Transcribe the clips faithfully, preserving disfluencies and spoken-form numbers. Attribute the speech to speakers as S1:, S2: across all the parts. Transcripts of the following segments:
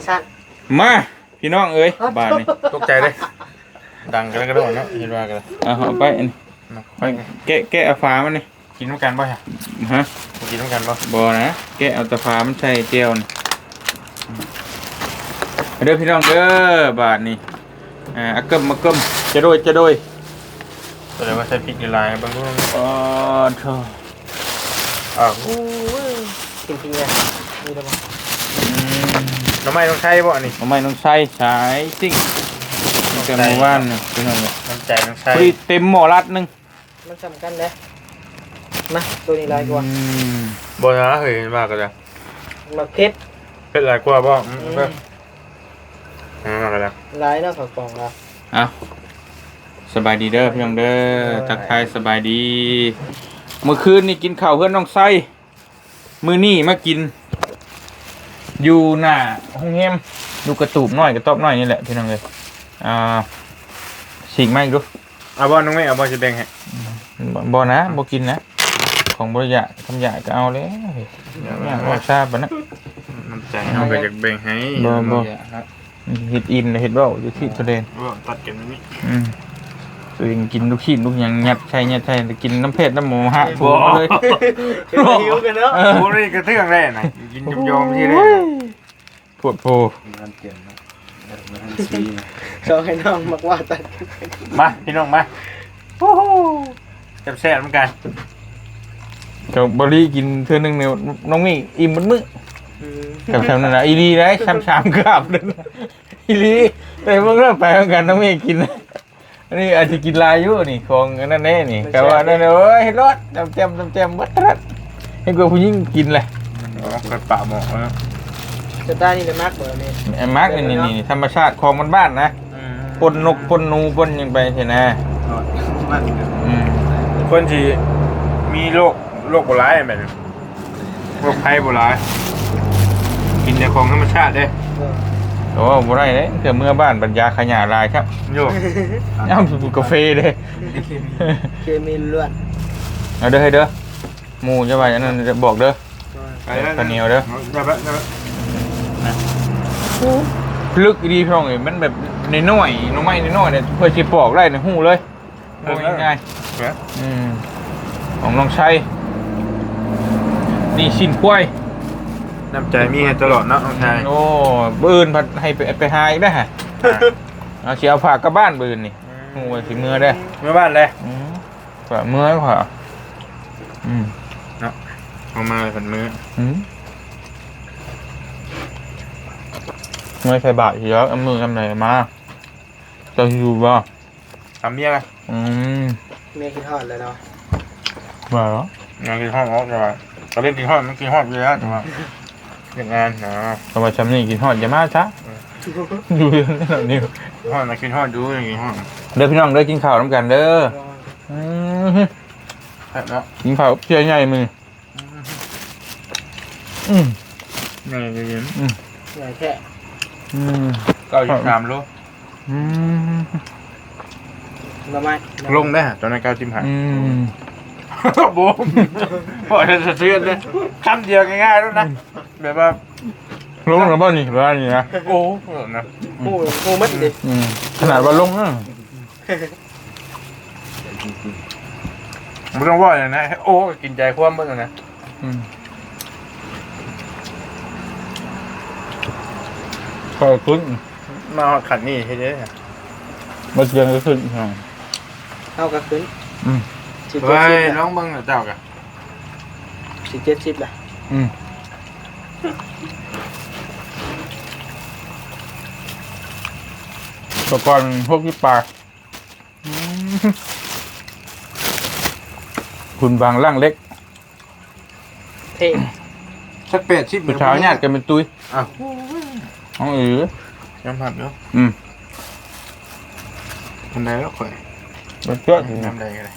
S1: สั้น
S2: มาพี่น้องเอ้ยบ้านนี่
S3: ตกใจเลยดังกันแล้วก็โดนเนาะเห็นว่ากัน
S2: เอาเอาไปอันนี้ไปแกะแกะเอาฟ้ามันนี่
S3: กินน้ำกันป่ะฮะ
S2: ฮะ
S3: กินน้ำกันป่ะ
S2: บ่นะแกะเอาแตะฟ้ามันใส่เจียวนี่เด้อพี่น้องเด้อบาทนี่อ่าอะเกิมมาเกิมจะโดยจะโดย
S3: แสดงว่าใช้พริกในลายบางคน
S2: อ๋อโธ่
S3: อ้าว
S1: จริงๆเลยนี่ได้ปะ
S3: น้ำไม้ต้องใช้ป่ะนี่
S2: ทำไมต้องใช้สายซิ่งตั้งแต่เมื่อวานนี่พี่น้องเนี่ย
S3: น้ำใจต้องใช้
S2: พอดีเต็มหม้อรัดหนึง
S1: มันสำคัญเลยมาตัวนี้ลายกว่า
S2: อืม
S3: บนนะเฮ้ยเห็นว่ากันแล้ว
S1: มาเพชร
S3: เป็นลายกว่าป่ะอืมเพิ่มอ่ากันแล้ว
S1: ลายเนาะของกล่องเรา
S2: เอาสบายดีเด้อพี่น้องเด้อทักทายสบายดี เมื่อคืนนี่กินข้าวเพื่อนน้องไส้มื้อนี้มากิน อยู่หน้าห้องแฮมดูกระตูบน้อยกระต๊อบน้อยนี่แหละพี่น้องเลยอ่าฉีกมาอีกดู
S3: เอาบอลน้องไม่เอาบอลจะแบ่งให้
S2: บ่บ่นะบ่กินนะ ของบริยะคำหยาก็เอาเลยเนี่ยบ่ทราบปะนะ
S3: น้ำใจเอาไปจากแบ่งให้
S2: บ่บ่เฮ็ดอินเฮ็ดเว้าอยู่ที่ทะเล
S3: บ่ตัดกันนี่
S2: อืมตัวเองกินลูกชิ้นลูกหยังยัดใช่ยัดใช่แต่กินน้ำเผ็ดน้ำหมูฮะถูกเลย
S1: หิวกันเนาะ
S3: โอ้ยกระเทืองแร่น่ะกินยอมๆที่แร่
S2: ปวดโพ
S1: ชอบให้น้องมากว่าตัด
S3: มาพี่น้องมาโอ้โหแซ่บๆเหมือนกัน
S2: กับบริกินเทื่อนึงเนี่ยน้องมี่อิ่มมันมื้อ กับแซมนั่นแหละอีลีได้ช้ำช้ำกราบเลยนะอีลีแต่เมื่อเริ่มไปเหมือนกันต้องไม่กินนะอันนี้อาจจะกินลายอยู่นี่ของอันนั่นแน่นี่แต่ว่านั่นเอ้ยเฮ็ดรสจำแจมจำแจมบัดรัดให้กูผู้หญิงกินเลย
S3: เคยปะหมอกแล้ว
S1: จะได้นี่เลยมากเบอร์นี่
S2: ไอ้มาร์กนี่นี่ธรรมชาติของมันบ้านนะปนนกปนนูปนยังไปใช่ไหมอืม
S3: คนที่มีโรคโรคโบราณแบบนี้โรคภัยโบราณกินแต่ของธรรมชาติเด้
S2: โอ้บ่ได้เลยเกิดเมื่อบ้านบรรยาขยะลายครับ
S3: โย
S2: เอ้าสูบกาแฟเลย
S1: เคมีล้วน
S2: เอาเด้อให้เด้อหมูจะไปอันนั้นจะบอกเด้อข้าวเหนียวเด้อ
S3: ได้ปะได้ปะ
S2: ลึกดีพี่น้องเอ้ยมันแบบในน้อยน้องไม้ในน้อยเนี่ยเพื่อสิปอกได้ในหูเลยโอ้ยง่าย
S3: เนี่ย
S2: ๆอืมของน้องชัยนี่ชิ้นกล้วย
S3: น้ำใจมีให้ตลอดเนาะน้องชาย
S2: โอ้บืนผัดให้ไปไปหาอีกได้อฮะเอาสิเอาผักกลับบ้านบืนนี่หูว่าสิเมื่อได้อ
S3: เมื่อบ้านเลย
S2: อืมกว่าเมื่อกว่าอืม
S3: เนาะเอามาผัดมือ
S2: อืมเมื่อใส่บาตรเยอะเอามือทำไหนมาจะอยู่บ่
S3: ทำเมียไง
S2: อืม
S1: เมียกินทอดเลยเนาะ
S2: มาเหรอ
S3: งานกินห้องออกแต่ว่าเขาเล่นกินห้องมันกินห้องอยู่แล้วแต่ว่าเรื่องงานนะ
S2: ทำไมชำนี่กินฮอดอย่ามาช้าอยู่เรื่องนั้นนี่
S3: ห้องมากินห้องดูอย่างกินห้อง
S2: เด้อพี่น้องเด้อกินข้าวน้ำกันเด้ออืม
S3: แล้ว
S2: กินข้าวเพียใหญ่มืออืม
S3: ไงจะยิน
S1: ใหญ่แค่
S2: อืม
S3: เก้าสิบสามโล
S2: อืม
S1: ละไม้
S3: ลงได้ตอนนั้นเก้าสิบห้า
S2: อืม
S3: บูมพอจะสะเทือนเลยคำเดียวง่ายๆแล้วนะแบบว่า
S2: ลงแล้วบ้านี่บ้านี่นะ
S3: โอ้นะ
S1: โอ้โหมัดดิ
S2: อืมขนาดว่าลงนะ
S3: ไม่ต้องว่าอย่างนะโอ้กินใจคว่ำเมื่อนะ
S2: อืมขอบคุณ
S3: มาขัดนี่ให้เยอะ
S2: มาเชียงก็ขึ้นอ่า
S1: เท่ากับขึ้น
S2: อืม
S1: สิบ
S3: เฮ้
S1: เจ็ด
S3: ย
S1: สิบ
S3: น้องบังเจ้ากัน
S1: สิบเจ็ดสิบละ
S2: อืมตะกอนพวกที่ปลาอืมคุณบางร่างเล็ก
S1: เท่
S3: สักเป็ดชิบ
S2: ผู้ชายญาติกันเป็นตุ้ย
S3: อ้าว
S2: อ๋อเออ
S3: ยังผัดเนาะ
S2: อืม
S3: ทำได้แล้วข่อย
S2: มันเชื่อ
S3: ทำได้กันเลย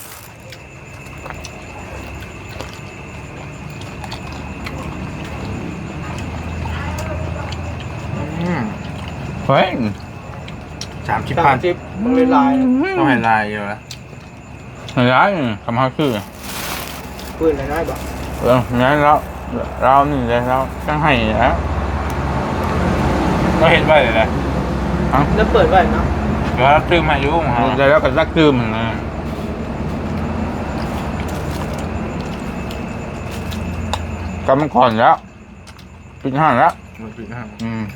S3: อืม
S2: เฮ้ย
S3: สามสิบ
S1: สา
S3: พั
S1: ม
S3: น
S1: สิบมันเลยลาย
S3: ต้องให้ลายอยู่แล้ว
S2: ร้ายคำเขาชื่อ
S1: ปืนอะไรได้บอก
S2: เอองั้นเราเรานี่เลยเราต้องให้แล้ว
S3: ก็เห็นไว้เลยแหละ
S1: แล้วเปิดไว้เนาะ
S3: เดี๋ยวเราตื้มให้อยุ่งฮะ
S2: ได้แล้วก็ซักตื้มนะกำมันก่อนแล้วปิดห้างแล้ว
S3: มันปิดห้าง
S2: อืม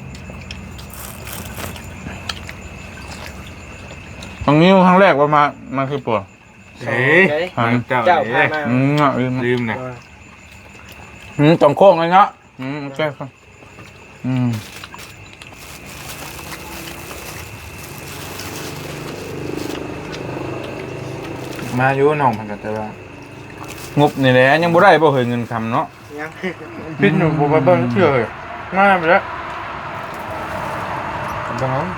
S2: ตรงนี้ครั้งแรกว่ามามาคือปวด
S3: เฮ้ยเจ้า
S1: เจ้า
S3: เจ้า
S1: พามา
S2: อืมอ่ะลืม
S3: ลืมเนี่ย
S2: อืมตรงโค้งเลยเนาะอืมโอเคครับอืม
S3: มาอยู่น้องมันก็แต่ว่าง
S2: บนี่แหละยังบ่ได้บ่เคยเงินคำเนาะ
S1: ยัง
S3: พิษหนูบ่ไปเบิ่งเชื่อเลยง่ายไปแล้วเบิ่ง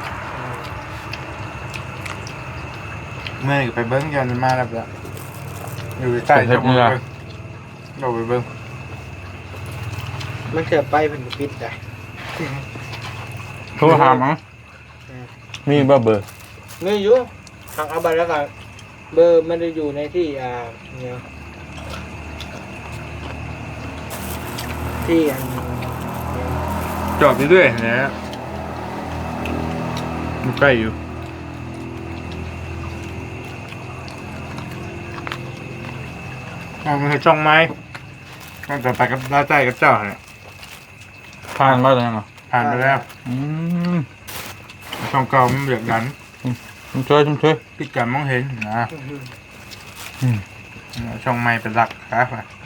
S3: เมื่อไปเบิ่งยันมาแล้วละอยู่ใต้จะบ่เบิ่งเราไปเบิ่ง
S1: มันเกิดไปเป็นปิดได้
S2: โทรหามั้งมีบ่เบอร์
S1: ไม่อยู่ทางเอาไปแล้วก็เบอร์มันจะอยู่ในที่อ่าเนี่ยที่อัน
S3: จอดเรื่อยๆนะมันใกล้อยู่มันคือช่องไม้มันจะไปกับลาใจกับเจ้าเนี่ย
S2: ผ่านมาแล้วยังอ่ะ
S3: ผ่านไปแล้ว
S2: อืม
S3: ช่องเก่ามันเบียดกัน
S2: ชุ่มช่วยชุ่มช่วย
S3: พิการมองเห็นนะช่องไม้เป็นหลักครับ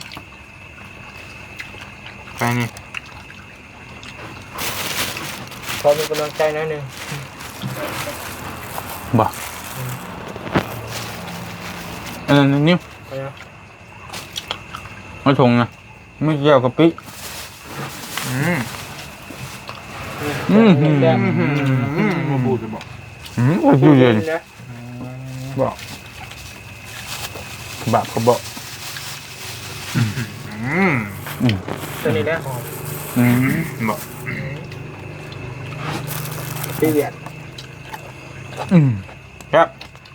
S3: ไปนี่
S1: พอมีกำลังใจหนิดนึง
S2: บ่อันนั้นนิ้ว
S1: ไปนะ
S2: มาชงนะไม่เกี่ยวกับปิ
S3: อืม
S2: อืม
S1: อืมแดง
S3: อืมอืมมาบูดจะบอก
S2: อืมโอ้ยอยู่เย็น
S1: นะ
S2: บอกบาปก็บอก
S3: อืม
S2: อืม
S1: ตัวนี้แหละหอม
S2: อืม
S3: บอก
S1: ปีเวียด
S2: อืมครับ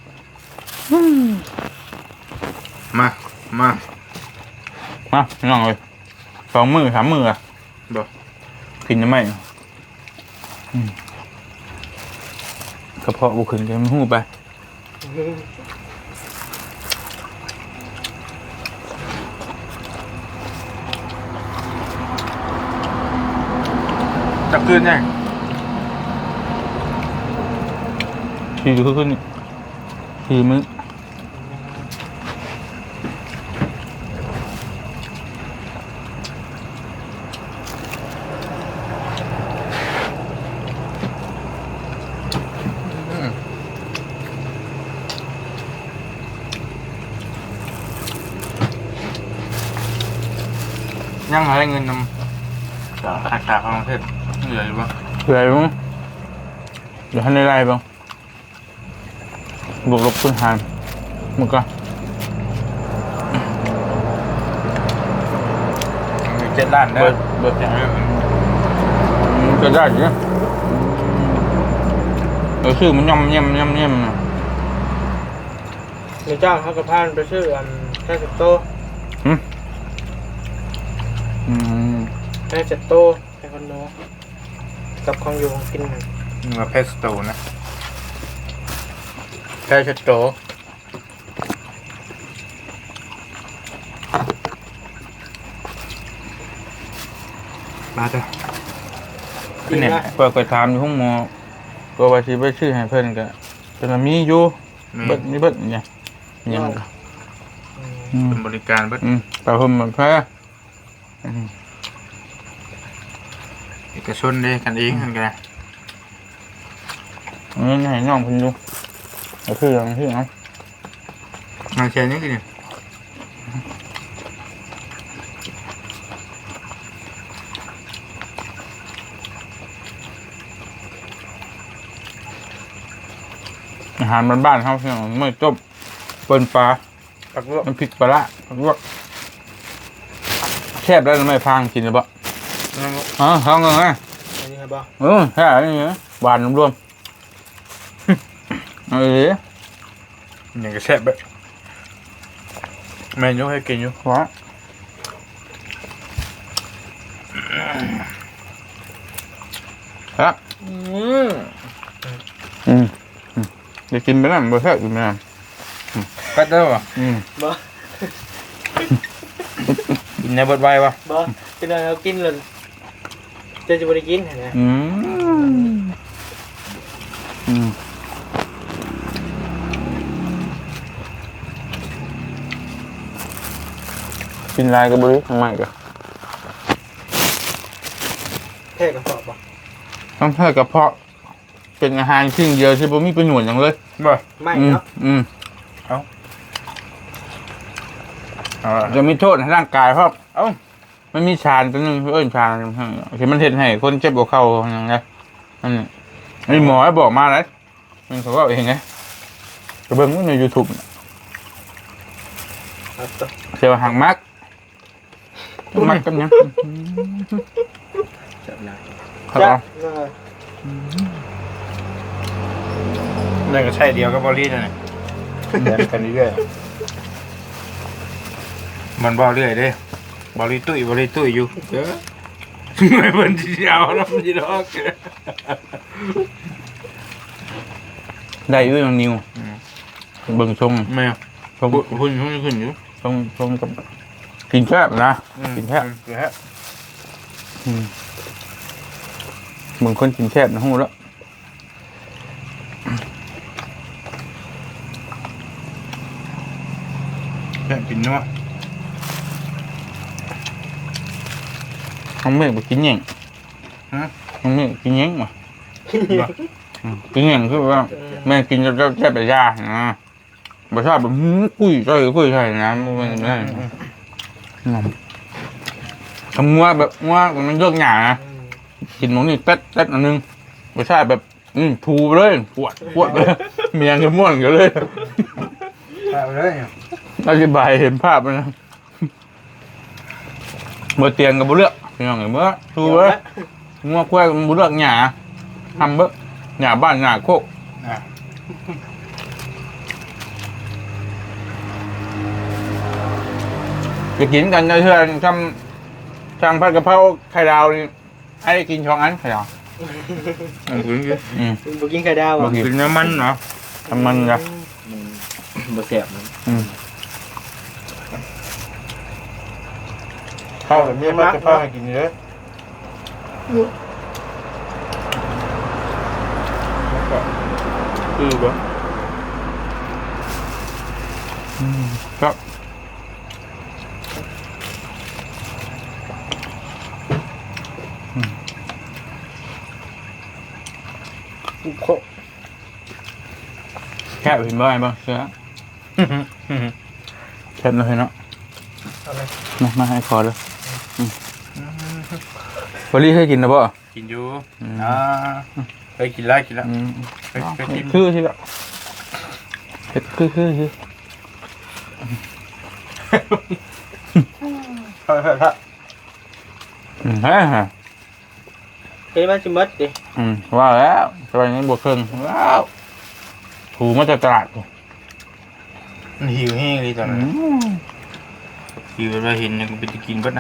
S3: มามา
S2: มาน้องเลยสองมือสามมืออ่ะ
S3: บอก
S2: กินยังไงอืมกระเพาะบุขึ้นจะมันหูไป
S3: จับคืนยัง
S2: ทีดูขึ้นนี่ทีมึง
S3: ยังหาเงินนำจากขาขาของเทพเหลืออยู่ปะ
S2: เหนื่อยมั้งเดี๋ยวให้ได้ไรบ้างบวกลบคูณหารมึงก็
S3: มีเจ็ดล้านเด้
S2: เบิ
S3: อ
S2: ดเบิด
S3: อย่างนี้
S2: อืมจะได้อยู่นะเออชื่อมันย่ำย่ำย่ำย่ำนะ
S1: มีเจ้าเขากระพานไปซื้ออันแค่สิบโต
S2: อืมอืม
S1: แค่เจ็ดโตแค่คอนโดกับของอยู่ของกินหนึ่ง
S3: นี่มาเพสโตนะเพสโตมาเถอะ
S1: กินนะ
S2: เปิดไปถามอยู่ห้องหมอก็ว่าสิไปชื่อให้เพิ่นก็เป็นว่ามีอยู่
S3: มี
S2: เบิดมีเบิดเนี่ยยังก็อืม
S3: เป็นบริการเบิด
S2: อืมแต่เพิ่นมันแพ้อืม
S3: เอกชนเด้กันเองกันกัน
S2: อันนี้ให้น้องเพิ่นดูก็คืออย่างที่เนาะ
S3: งานเชียร์นี่คือ
S2: อาหารบ้านๆเฮาพี่น้องมื้อต้มเปิ้นปลา
S3: ปักลวก
S2: น้ำพริกปลาร้าผักลวกแซ่บแล้วไม่พังกินเลยบ่อ๋อท้องกันนะ
S1: อันนี้ครับบ่
S2: เออแค่นี้นะหวานรวมๆเออ
S3: อย่างกระแซ่บแบบแม่ยกให้กินอยู่
S2: ว้าครับ
S1: อืม
S2: อืมอืมเดี๋ยวกินไปแล้วบ่แซ่บกินไปแล้ว
S3: ก็เด้อ
S2: อืม
S1: บ่
S3: กินในเบิดไว้ปะ
S1: บ่เป็นอะไรเรากินเลยจะจะบ่ได้กินเห็นไหม
S2: อืมอืมกินลายกับบริทำไมกัน
S1: แค่กระสอบบ่
S2: ต้องเท่ากระเพาะเป็นอาหารชิ้นเดียวที่ผมมีประโยชน์อย่างเลย
S3: บ่
S1: ไม่
S2: อืม
S1: เนาะ
S2: อืม
S3: เอาล่ะ
S2: จะมีโทษในร่างกายเพราะเอ้ามันมีชานตัวหนึงเอ้ยชานที่มันเห็นให้คนเจ็บหัวเข่าอย่างเงี้ยอันนี้อันนี้หมอให้บอกมาเลยมันเขาก็เองไงกระเบื้องในยูทูบ
S1: เอาต่อ
S2: เสียวหางมักมักกันยัง
S1: จับหน้า
S2: ครับ
S1: จ้ะ
S3: นั่นก็ใช่เดียวกับบอลลี่นั่นแหละ
S2: เดินกันเรื่อย
S3: มันบอลเรื่อยเด้บอลลี่ตุ้ยบอลลี่ตุ้ยอยู่เด้อไม่เป็นที่เอาน้ำจีดอก
S2: ได้ด้วยน้องนิวเบิ่งชม
S3: แม่
S2: ชม
S3: หุ่นหุ่นขึ้นอยู่
S2: ชมชมกับกินแคบนะกินแคบ
S3: กินแค่
S2: อืมเบิ่งคนกินแคบนะฮู้แล้ว
S3: แค่กินเนาะ
S2: น้องเมฆบ่กินหยัง
S3: ฮะ
S2: น้องเมฆกินหยังวะอืมกินหยังคือว่าแม่กินแล้วแซ่บแต่ยานะบ่ชอบแบบหื้อกุ้ยใส่กุ้ยใส่นะมันไม่ได้งอมทำงัวแบบงัวมันเลือกหยานะ
S1: อืม
S2: กินหมูนี่เต๊ดเต๊ดอันนึงไม่ใช่แบบอืมทูไปเลยปวดปวดเลยเมียงจะม่วนกันเลย
S3: ไปเลย
S2: อธิบายเห็นภาพเลยนะเมื่อเตียงกับบุเลือกพี่น้องเห็นเมื่อทูเว้ยงัวควายกับบุเลือกหยาทำเบ้อหยาบ้านหยาโคก
S3: อ่ะ
S2: จะกินกันเพื่อนทำทำผัดกะเพราไข่ดาวนี่ให้ได้กินช่องอันไข่ดาว
S3: มันกินอยู่
S2: อืม
S1: บ่กินไข่ดาว
S2: บ่
S1: อ่ะ
S2: กิ
S3: กินน้ำมันเนาะ
S2: ทำมันจ้ะ
S1: บ่แซ่บนะ
S2: อืมข้าวแบบนี้มันจะพาให้กินเยอะ
S3: คือบ่
S2: ครับ
S1: โค
S2: แค่เห็นบ้างบ้างเสือแค่เลยเนาะ
S1: เอาไหม
S2: มามาให้คอเลยอืมวอลลี่เคยกินนะบ่
S3: กินอยู่
S2: อืม
S3: อ่าเคยกินแล้วกินแล้ว
S2: อืม
S3: เคยเคยกิน
S2: คือที่ละเผ็ดคือคือคือ
S3: เฮ้ยเฮ้ยเฮ้ย
S2: อืมฮะฮะ
S1: เฮ้ยมันสิหมดดิ
S2: อืมว่าแล้วสบายนี้บวกเครื่องว้าวถูมาจากตลาด
S3: มันหิวแห้งเลยตอน
S2: อื
S3: นั้น
S2: ม
S3: หิวเราเห็นยังเป็นจะกินก็นะ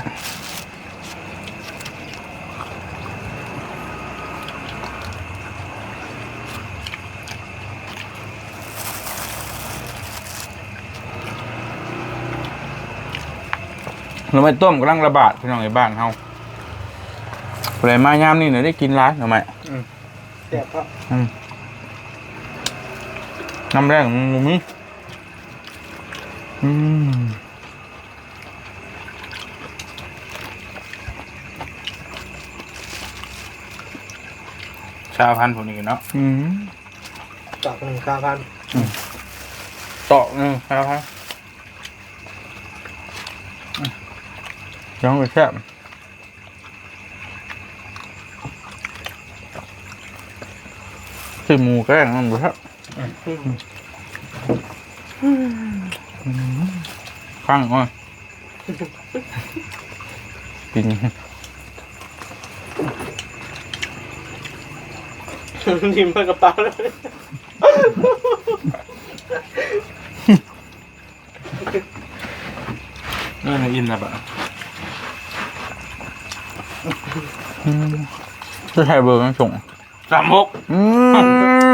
S2: เราไม่ต้มกำลังระบาดพี่น้องในบ้านเฮาอะไรมายามนี่เนี่ยได้กินร้านหรือไม่
S1: แซ่บครับ
S2: น้ำแรกของมุมนี้อืม
S3: ชาพันธุ์พวกนี้เนาะ
S2: อืม
S1: ตอกหนึ่งเก้าพัน
S2: ตอกหนึงครับครับยังไปแซ่บที่หมูแกล้งมันบ่ครับข้างอ่ะกิน
S1: ทิมเพื่อกระเป๋าเลย
S3: นี่นอินนะปะ
S2: จะใช้เบอร์กันส่ง
S3: สามหก
S2: อืม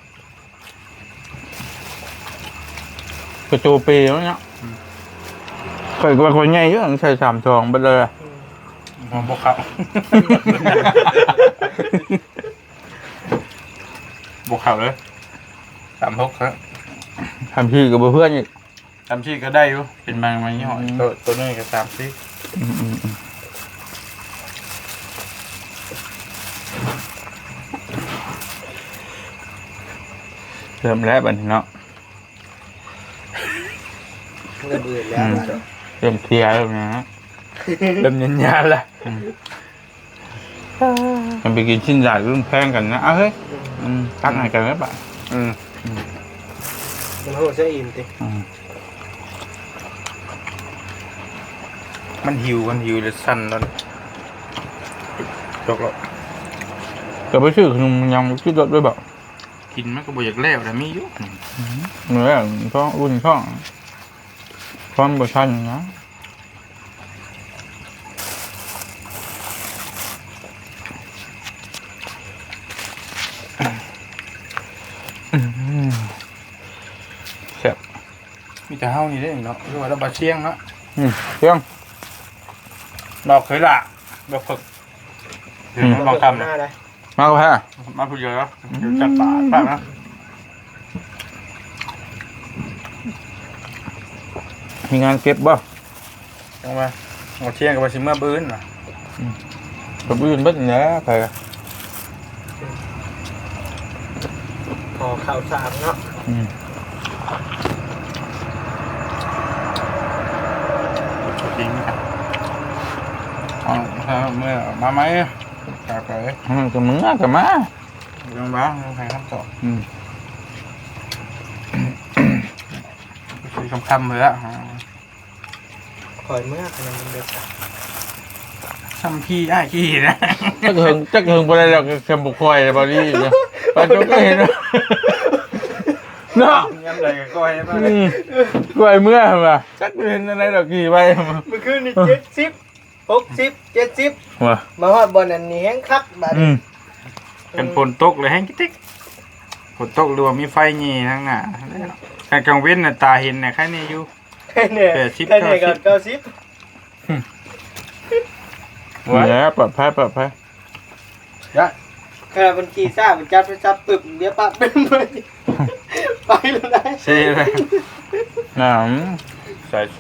S2: กระโจเปย์แล้วเนี่ยเคยกับคนใหญ่เยอะใส่สามทองไปเลย
S3: มองพวกเขาบวกเขาเลยสามหกครับ
S2: ทำพี่กับเพื่อนอีก
S3: ทำชีก็ได้อยู่เป็นบางบางยี่ห้อตัวตัวนี้ก็สามสิ
S2: อืมอืมอืมเริ่มแล้วบัดนี้เนาะ
S1: เริ่มอื่นแล้วอะ
S2: เริ่มเคลียร์แล้วนะ
S3: เริ่มยันยานละ
S2: มันไปกินชิ้นใหญ่รุ่นแพงกันนะเอาเฮ้ยอืมตักให้กันแล้วปะ
S3: อืม
S1: มันโหดซะอิ่มติ
S2: อืม
S3: มันหิวมันหิวเลยสั่นแล้วจกแล้ว
S2: ก็ไปซื้อขนมยังคิดรถด้วยแบบ
S3: กินมันก็บ่อยากแล้วแต่มีอยู่
S2: เนื้อท้องรุ่นท้องพร้อมกับชันนะแซ่บ
S3: มีแต่เฮานี่ได้เนาะคือว่าเราบาเชียงเนาะ
S2: อืมเที่ยง
S3: ดอกเคยละดอกฝึกเดี๋ยวลองทำ
S1: ห
S3: นะ
S1: น้าได้
S2: มาก็แพ้
S3: มาพูดเยอะแล้วเดี๋ยวจัดปากปากนะ
S2: มีงานเก็บบ่
S3: จังมาเอาเชียงกับบาชิเมื่อบื้นน่ะ
S2: กับอื่นเบิดเนี้ยไป
S1: พอข่าวสารเนาะ
S2: อืม
S3: จริงครับเอาถ้าเมื่อมาไหมกลับไป
S2: อืมกับมึงอะกับมา
S3: เรื่องบ้างใครคำตอบ
S2: อืม
S3: คือคำคำเลยอะ
S1: คอยเมื่อขนาดมันเดือด
S3: คำพี่อ้ายขี้นะ
S2: จักเฮิงจักเฮิงบ่ได้แล้วก็เค็มบุกคอยบอดี้เนี่ยปานจงก็เห็นว่าเนาะ
S3: ย้ำเลยก็ก้อยมา
S2: อืมกล้วยเมื่อมาจักเห็นอะไรดอกกี่ใบ
S1: เมื่อคืนนี่เจ็ดสิบหกสิบเจ็ดสิบ
S2: ว่า
S1: มาฮอดบอลอันนี้แห้งคักบาด
S2: อืม
S3: เป็นฝนตกเลยแห้งกิ๊กฝนตกหรือว่ามีไฟงี่ทั้งหน้าแต่กลางเว้นน่ะตาเห็นน่ะแค่นี้อยู่
S1: แค่เนี่ย
S3: แปดสิบ
S1: แค่เนี่ยก็เก้าสิบ
S2: เนี่ยปลอดภัยปลอดภัย
S1: แค่บัญชีทราบบัญจับไปจับปึบเดี๋ยวปั๊บเป็นไปไปแล้วได้
S3: เซ่เลย
S2: น้
S3: ใส่เซ่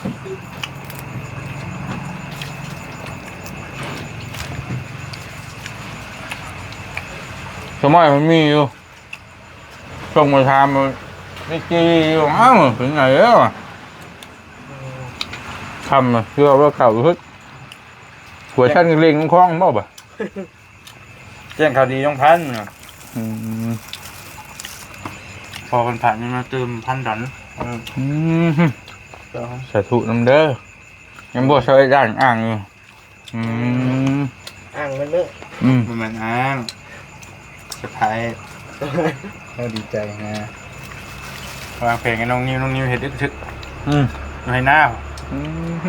S2: ำสมัยมันมีอยู่ส่งมาทำมันไม่จีอยู่อ้าวถึงไหนแล้วอะทำอะเชื่อว่าเก่าทึกหัวชั้นเล็งคล้องบ่บ่
S3: แจ้งข่าวดีต้องพันน่ะ
S2: อืม
S3: พอคนผ่านมันมาเติมพันดันเออ
S2: อืมสาธุน้ำเด้อยังบ่ช่วยด้านอ่างอยู่อืม
S1: อ่างมันเมื่อ
S2: อืม
S3: มันเหมือนอ้างจะพายเราดีใจนะวางเพลงกับน้องนิวน้องนิวเห็ดดึกทึก
S2: อืม
S3: อยู่ให้หน้า
S2: อืม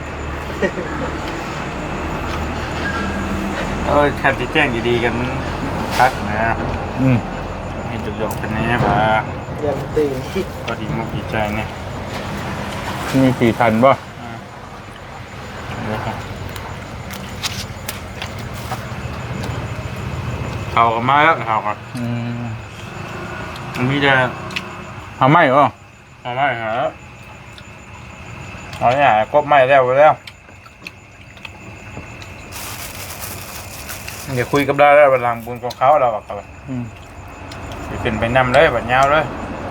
S3: เออแค่ที่แจ้งดีๆกันพักนะ
S2: อืม
S3: เห็นจุกๆเป็นแน่ป่ะ
S1: ยังตื่น
S3: ก็ดีมุกดีใจเนี่ย
S2: มีสี่ทันบ่
S3: เขาก็มาแล้วเขาก็
S2: อืม
S3: มันมีแต่
S2: ทำไมบ่
S3: เอาไม่หาเอาเนี่ยกบไม่แล้วไปแล้วเดี๋ยวคุยกับได้แล้วบัดหลังบุญของเขาเราอะครับ
S2: อืม
S3: ไปขึ้นไปนำเลยบัดยาวเลย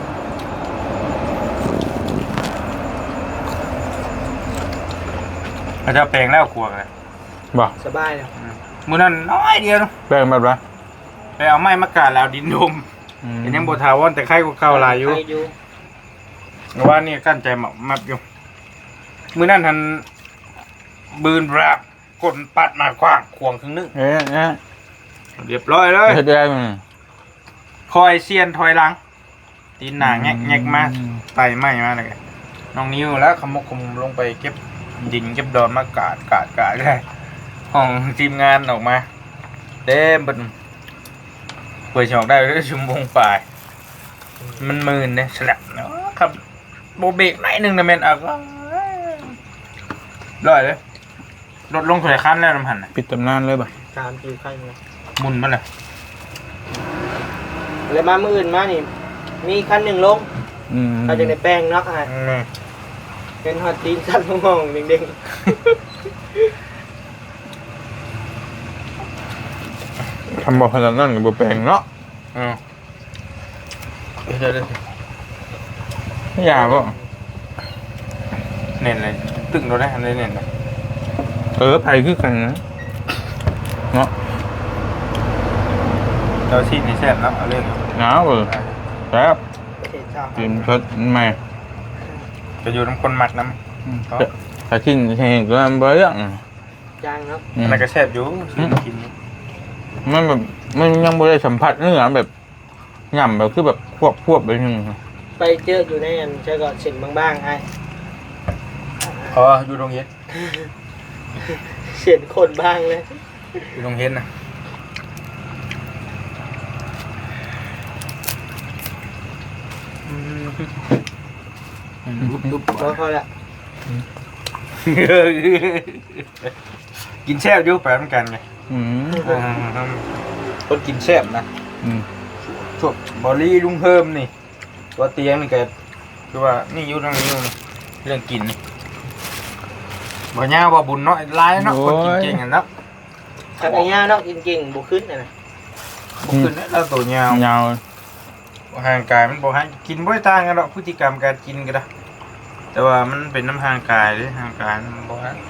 S3: เขาจะแปลงแล้วกลัวเลย
S2: บ่
S1: สบายแล้ว
S3: มือนั้นน้อยเดียวเนาะ
S2: แป้งแบบไร
S3: ไปเอาไม้มากาดแล้วดินดม
S2: อืม
S3: เป็นยังโบทาวอนแต่ไข่ก็เก่าหลายอยู่
S1: ไปอยู่
S3: ว่านี่กั้นใจหมับมับอยู่มือนั้นทันบืนแบบกดปัดมาขวางขวงครึ่งนึง
S2: เอ๊ะเนี่ย
S3: เรียบร้อยเลย
S2: เฮ็ดได้มั้ย
S3: คอยเซียนถอยหลัง ตีนหนาแงกแงกมาไต่ไม้มาเลยน้องนิ้วแล้วขมุกขมุมลงไปเก็บดินเก็บดอนมากาดกาดกาดได้ห้องทีมงานออกมาเต็มเป็นเปิดชอกได้ด้วยชั่วโมงปลายมันหมื่นเนี่ยฉลับเนาะครับโบเบรกหน่อยหนึงนะแม่นอ่ะก็ร้อยเลยรถลงถอยคันแล้วน้ำหันน่ะ
S2: ปิดตำนานเลยบ่
S1: สามสี่ขั้นนะ
S3: หมุนมันเลย
S1: แล้วมามืออื่นมานี่ มีคันหนึ่งลง
S2: อืม
S1: เขาจะในแป้งเนาะอ่ะ
S3: อืม
S1: เป็นฮอตตีนสั้นมองๆเด้ง
S2: ทำบ่ขนาดนั้นก็บ่แปลงเนาะ
S3: อืมเดี๋ยวเดี๋ยว
S2: ไม่อยากบ่
S3: เน้นเลยตึงเราได้ทันได้เน้นเลย
S2: เออไปคือกันนะเนาะ
S3: เราชีดในแซ่บเนาะเอาเรื่อง
S2: หนาวเออครับ
S1: ๆประเทศชาติ
S2: กินสดใหม่
S3: จะอยู่น้ำคนหมักน้
S2: อืมถ้ากินแห้งก็บ่เรื่อง
S1: ยางเนาะ
S2: อื
S3: ำ
S2: ม
S3: มันก็แซ่บอยู่ซื้อมากิน
S2: มันแบบมันยังบ่ได้สัมผัสเนื้อแบบหย่ำแบบคือแบบควบควบไปนึง
S1: ไปเจออยู่ในอันเจอก็เส้นบางๆไอ้
S3: อ๋ออยู่ตรงเย็น
S1: เส้นคนบ้างเลย
S3: อยู่ตรงเย็นนะดุ๊บ
S1: พอพอละ
S3: กินแซ่บอยู่ไปเหมือนกันไง
S2: อืม
S3: คนกินแซ่บนะ
S2: อืม
S3: พวกบอลลี่ลุงเพิ่มนี่ตัวเตียงนี่แกคือว่านี่อยุ่ตรงนี้อยู่นี่เรื่องกินนี่บ่ย่าบ่บุญเนาะร้ายเนาะคนกินเก่งอ่ะเนาะ
S1: ถ้าไอ้ย่าเนาะกินเก่งบุขึ้นน่ะนะ
S3: บ่ขึ้นแล้วตัวยาวย
S2: าว
S3: ห่างกายมันบ่ห่างกินบ่ได้ต่างกันหรอกพฤติกรรมการกินก็ได้แต่ว่ามันเป็นน้ำห่างกายเด้ห่างกายมันบ่ห่าง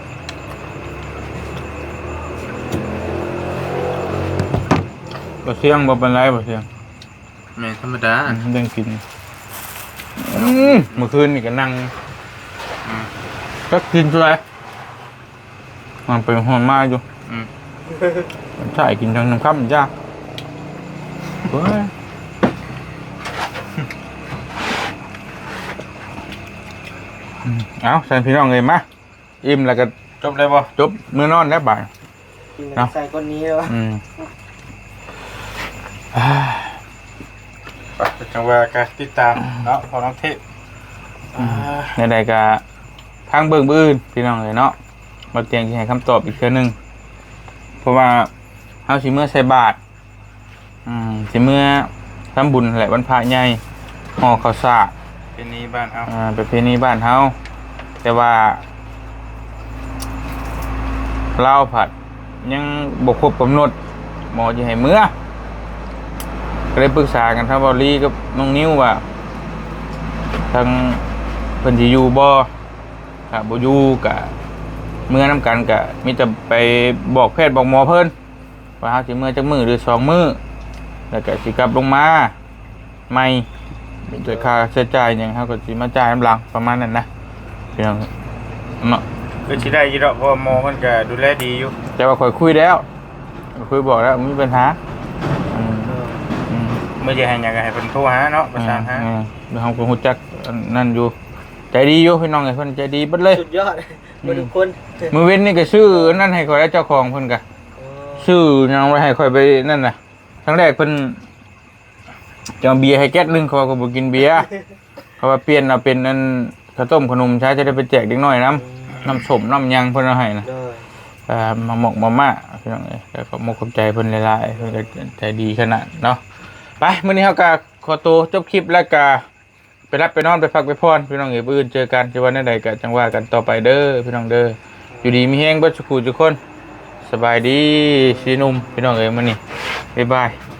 S2: บ่เสียงบ่เป็นไรบ่เสียง
S3: แม่นธรรมดา
S2: อืมเรื่องกินอืมเมื่อคืนนี่ก็นั่ง
S3: อืม
S2: ก็กินด้วยมันเป็นหอนมาอยู่
S3: อืม
S2: ใช่กินทั้งน้ำข้ามจ้าเฮ้ยอืมเอาใส่พี่น้องเลยมาอิ่มแล้วก็
S3: จบเลยบ่
S2: จบมื้อนอนแล้วบ่าย
S1: กิน
S2: เนาะ
S1: ใส่คนนี้แล้ววะ
S2: อืมอ่า
S3: ไปจังว่าการติดตามเนาะพอน้องเทพอ่า
S2: ในใดๆก็ทางเบิ่งบื้อื่นพี่น้องเลยเนาะมาเตียงที่ให้คำตอบอีกเทื่อหนึงเพราะว่าเฮาสิเมื่อใส่บาตรอืมสิเมื่อทำบุญแหละวันพระใหญ่ห่อข้าวสาก
S3: เป็นนี้บ้านเอา
S2: อ่าประเพณีบ้านเฮาแต่ว่าเล่าวผัดยังบกครบกำหนดหมอจะให้เมื่อก็เลยปรึกษากันทั้งบอลลี่กับน้องนิ้วว่าทางเพิ่นสิอยู่บ่ถ้าบ่อยู่ก็เมื่อนํกันก็มีแต่ไปบอกแพทย์บอกหมอเพิ่นว่าเฮาสิเมื่อจักมื้อหรือสองมื้อแล้วก็สิกลับลงมาใหม่โดยค่าใช้จ่ายหยังเฮาก็สิมาจ่ายน้ำหลังประมาณนั้นนะพี่น้องเนาะ
S3: คือสิได้อยี่ดอกเพราะว่าหมอมันก็ดูแลดีอยู่
S2: แต่ว่าข่อยคุยแล้วคุยบอกแล้วไม่มีปัญหาอืมอืม
S3: เมื่อจะให้หยังก็ให้เพิ่นโทรหาเนาะประสานหา
S2: อืมเดี๋ยวเราคงรู้จักอันนั่นอยู่ใจดีอยู่พี่น้องไอ้เพิ่นใจดีเบิดเลย
S1: สุดยอดมาทุกคน
S2: มือเว้นนี่ก็ซื้อนั่นให้ข่อยแล้วเจ้าของเพิ่นก็
S1: อ๋อ
S2: ซื้อหยังไว้ให้ข่อยไปนั่นน่ะครั้งแรกเพิ่นจะเอาเบียร์ให้แก๊สหนึงเขาก็บ่กินเบียร์เขาว่าเปลี่ยนเอาเป็นนั่นข้าวต้มขนมใช้จะได้ไปแจกเด็กน้อยน้ำน้ำส้มน้ำหยังเพิ่นเอาให้นะ
S1: ได้
S2: อ่ามาหมกมาม่าพี่น้องเอ้ยแล้วก็มกขอบใจเพิ่นหลายๆเพิ่นก็ใจดีขนาดเนาะไปมื้อนี้เฮาก็ขอตัวจบคลิปแล้วก็ไปรับไปนอนไปพักไปพรพี่น้องเอ้ยมื้ออื่นเจอกันจะวันใดก็จังว่ากันต่อไปเด้อพี่น้องเด้ออยู่ดีมีแฮงเบิดสุขุทุกคนสบายดีสีหนุ่มพี่น้องเอ้ยมื้อนี้บ๊ายบาย